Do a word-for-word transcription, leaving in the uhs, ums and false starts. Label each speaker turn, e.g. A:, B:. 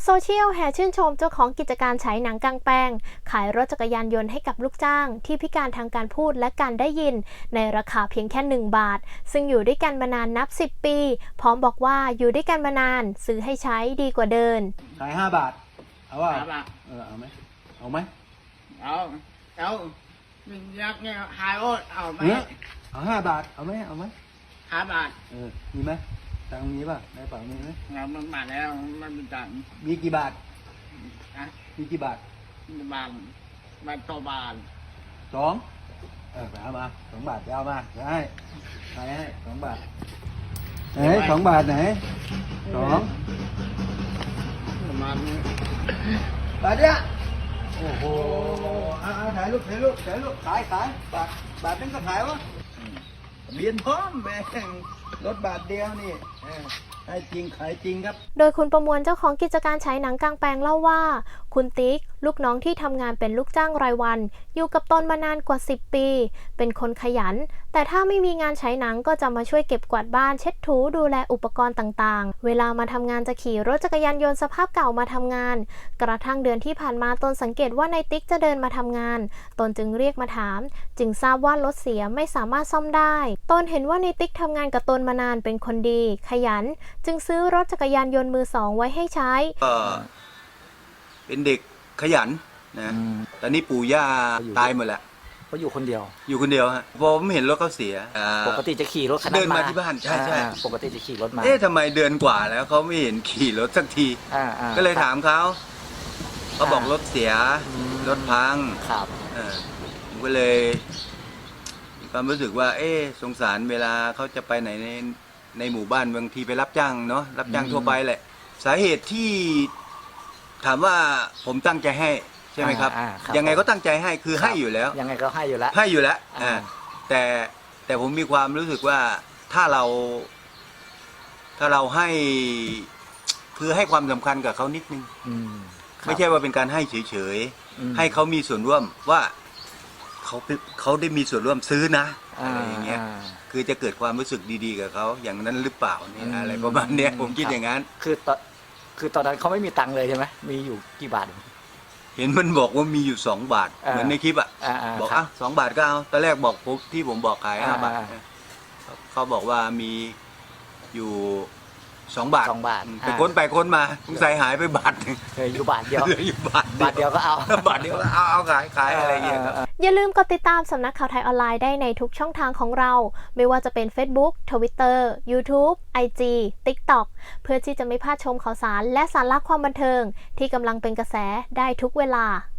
A: โซเชียลแห่ชื่นชมเจ้าของกิจการฉายหนังกางแปลงขายรถจักรยานยนต์ให้กับลูกจ้างที่พิการทางการพูดและการได้ยินในราคาเพียงแค่หนึ่งบาทซึ่งอยู่ด้วยกันมานานนับสิบปีพร้อมบอกว่าอยู่ด้วยกันมานานซื้อให้ใช้ดีกว่าเดิน
B: ขายห้าบาทเอาว่า
C: ห้าบาท
B: เออเอาไหมเอาไหม
C: เอาเอาmình nhắc nghe hai ốtเอาไหม
B: เอาห้าบาทเอาไหมเอาไหม
C: ห้าบาท
B: เออมีไหมตังค์มีป่ะในกระเป๋ามีไหม
C: งานมันบาทแล้วมันเป็นตังค์
B: มีกี่บาท
C: ฮะ
B: มีกี่บาท
C: บาทบาทต่อบาท
B: สองเออไปเอามาสองบาทไปเอามาจะให้ไปให้สองบาทไหนสองบาทไหนสอง
C: ประมาณนี้
B: บาทเนี้ยโอ้โหเอาเอาถ่ายรูปถ่ายรูปถ่ายรูปขายขายบาทบาทนึงก็ขายวะเรียนพร้อมแม่งรถบาทเดียวนี่ให้จริงขายจริงครับ
A: โดยคุณประมวลเจ้าของกิจการฉายหนังกางแปลงเล่าว่าคุณติ๊กลูกน้องที่ทำงานเป็นลูกจ้างรายวันอยู่กับตนมานานกว่าสิบปีเป็นคนขยันแต่ถ้าไม่มีงานฉายหนังก็จะมาช่วยเก็บกวาดบ้านเช็ดถูดูแลอุปกรณ์ต่างๆเวลามาทำงานจะขี่รถจักรยานยนต์สภาพเก่ามาทำงานกระทั่งเดือนที่ผ่านมาตนสังเกตว่านายติ๊กจะเดินมาทำงานตนจึงเรียกมาถามจึงทราบว่ารถเสียไม่สามารถซ่อมได้ตนเห็นว่านายติ๊กทำงานกับตนมานานเป็นคนดีขยันจึงซื้อรถจักรยานยนต์มือสองไว้ให้ใช้
B: ก็เป็นเด็กขยันนะตอนนี้ปู่ย่าตายหมดแล้ว
D: เขาอยู่คนเดียว
B: อยู่คนเดียวฮะพอผมเห็นรถเขาเสีย
D: ปกติจะขี่รถคันนั้น
B: เดินมาที่บ้านใช่ใช่
D: ปกติจะขี่รถมา
B: เอ๊ะทำไมเดือนกว่าแล้วเขาไม่เห็นขี่รถสักทีก็เลยถามเขาเขาบอกรถเสียรถพัง
D: ครับ
B: ผมก็เลยมีความรู้สึกว่าเอ๊ะสงสารเวลาเขาจะไปไหนในในหมู่บ้านบางทีไปรับจ้างเนาะรับจ้างทั่วไปแหละสาเหตุที่ถามว่าผมตั้งใจให้ใช่ไหมครับยังไงก็ตั้งใจให้คือให้อยู่แล้ว
D: ยังไงก็ให้อยู่แล้ว
B: ให้อยู่แล้วอ่าแต่แต่ผมมีความรู้สึกว่าถ้าเรา ถ้าเราให้คือให้ความสำคัญกับเขานิดนึงไม่ใช่ว่าเป็นการให้เฉยๆให้เขามีส่วนร่วมว่าเขาเขาได้มีส่วนร่วมซื้อนะอะไรอย่างเงี้ยคือจะเกิดความรู้สึกดีๆกับเขาอย่างนั้นหรือเปล่าเนี่ยอะไรประมาณเนี้ยผมคิดอย่างนั้น
D: คือตอนคือตอนนั้นเขาไม่มีตังค์เลยใช่ไหมมีอยู่กี่บาท
B: เห็นมันบอกว่ามีอยู่สองบาทเหมือนในคลิปอ่ะบอกอ่ะสองบาทก็เอาตอนแรกบอกผมที่ผมบอกขายห้าบาทเขาบอกว่ามีอยู่สองบาท
D: สองบาท
B: ไปค้นไปค้นมาสงสัยหายไปบาทนึง
D: เหลืออยู่บาทเดียว
B: เหลืออยู่บาท
D: บาทเดียวก็เอา
B: บาทเดียวก็เอาเอาขายขายอะไรอย่างเงี้ยครับ
A: อย่าลืมกดติดตามสำนักข่าวไทยออนไลน์ได้ในทุกช่องทางของเราไม่ว่าจะเป็น Facebook Twitter YouTube ไอ จี TikTok เพื่อที่จะไม่พลาดชมข่าวสารและสาระความบันเทิงที่กำลังเป็นกระแสได้ทุกเวลา